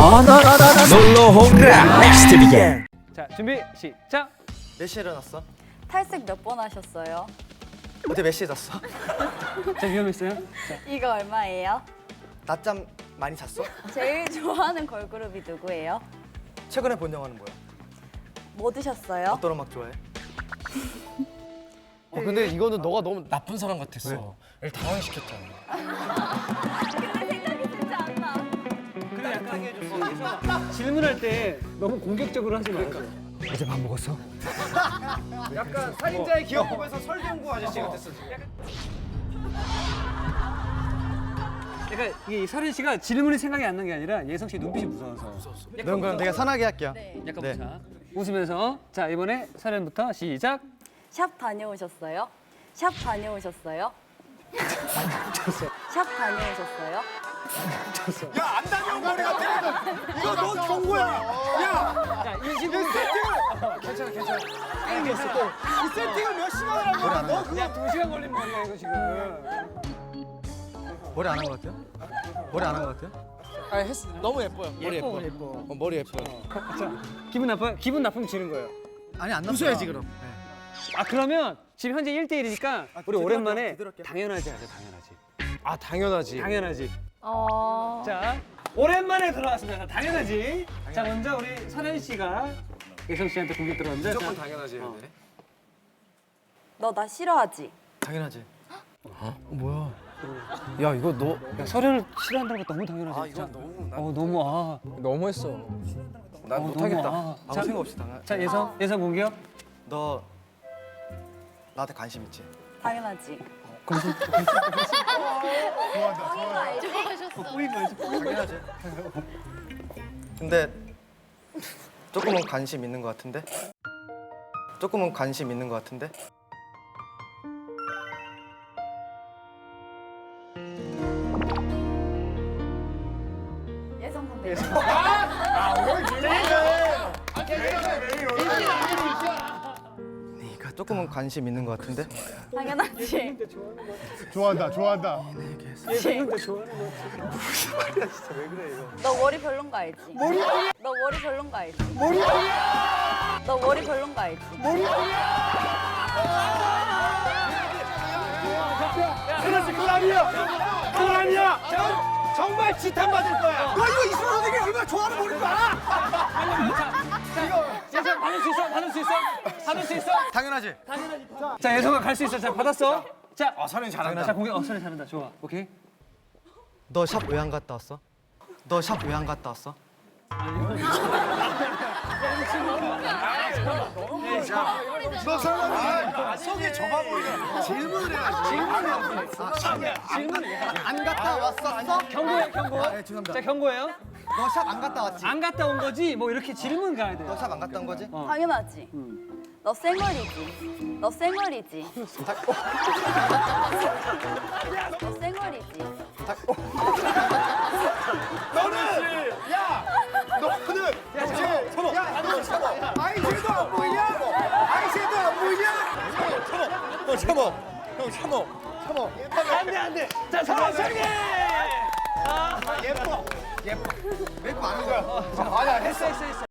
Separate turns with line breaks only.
놀러 오라 넥스트 비겐.
자, 준비 시작.
몇 시에 일어났어?
탈색 몇 번 하셨어요?
어제 몇 시에 잤어?
자, 위험했어요. 자,
이거 얼마예요?
낮잠 많이 잤어?
제일 좋아하는 걸그룹이 누구예요?
최근에 본 영화는 뭐야?
뭐 드셨어요?
어떤 음악 좋아해?
근데 이거는 너가 너무 나쁜 사람 같았어. 얘를 당황시켰잖아.
근데 생각이 진짜 안 나.
그래 약간 질문할 때 너무 공격적으로 하지 말고.
어제 밥 먹었어?
약간 살인자의 기억법에서 설경구 아저씨 같았어.
그러니까 이게 서린 씨가 질문이 생각이 안 난 게 아니라 예성 씨 눈빛이 무서워서.
넌 그럼 되게 선하게 할게요.
약간
네.
자, 웃으면서 자 이번에 서린부터 시작.
샵 다녀오셨어요? 샵 다녀오셨어요? 샵 다녀오셨어요?
안 다녀온 머리 같아. 이거 너 경고야. 야,
자, 이 친구
괜찮아. 땡겼어 또. 이 세팅을 몇 시간을 한 거야? 너 그거
야 2시간 걸린 머리야 이거 지금.
머리 안 한 것 같아요? 머리 안 한 것 같아요?
아, 했어. 너무 예뻐요. 머리 예뻐. 머리 예뻐요.
자, 기분 나빠요? 기분 나쁘면 지는 거예요.
아니 안 났어.
웃어야지 그럼.
아 그러면 지금 현재 1대1이니까 우리 오랜만에
제대로 할게요.
당연하지 하자 당연하지.
아, 당연하지.
당연하지.
어...
자 오랜만에 돌아왔습니다. 당연하지. 자 먼저 우리 서현 씨가 예성 씨한테 공격 들어갔는데
무조건
자,
당연하지.
어.
근데.
너 나 싫어하지?
당연하지.
뭐야? 야, 이거 너
야, 서류를 싫어한다는 거 너무 당연하지.
아, 이건 너무
너무
너무했어. 난 못하겠다.
너무,
아무 생각 없이 당연.
자 예성 공격.
너 나한테 관심 있지?
당연하지.
당연하지. 근데 조금은 관심 있는 것 같은데? 조금은 관심 있는 것 같은데?
예성 선배.
네가 조금은 관심 있는 것 같은데?
당연하지.
좋아한다, 좋아한다.
너 머리 별론 거 알지? 너 머리 별론 거 알지? 너 머리 별론 거 알지?
그건 아니야. 정말 지탄 받을 거야. 너 이거 이승우 선생님 얼마나 좋아하는 머리인 줄 알아?
예성 받을 수 있어.
당연하지.
자 예성아 갈 수 있어. 자 받았어. 자
서른 잘한다.
자 공격. 서린 잘한다. 좋아. 오케이.
너 샵 왜 안 갔다 왔어? 너 샵 왜 안 갔다 왔어?
너 설마
속이 좁아 보이네. 질문을 해야지.
안 갔다 왔었어?
경고해 경고.
네, 죄송합니다.
자 경고해요.
너 샵 안 갔다 왔지?
안 갔다 온 거지. 뭐 이렇게 질문 가야 돼요.
너 샵 안 갔다 온 거지?
당연하지. 너 쌩얼이지. 너 쌩얼이지. 너 쌩얼이지.
너는 아이새도 안 보이냐? 아이새도 안 보이냐? 참어. 형 참어.
안돼. 자 서성이.
예뻐.
메이크업 안 한 거야.
맞아, 했어.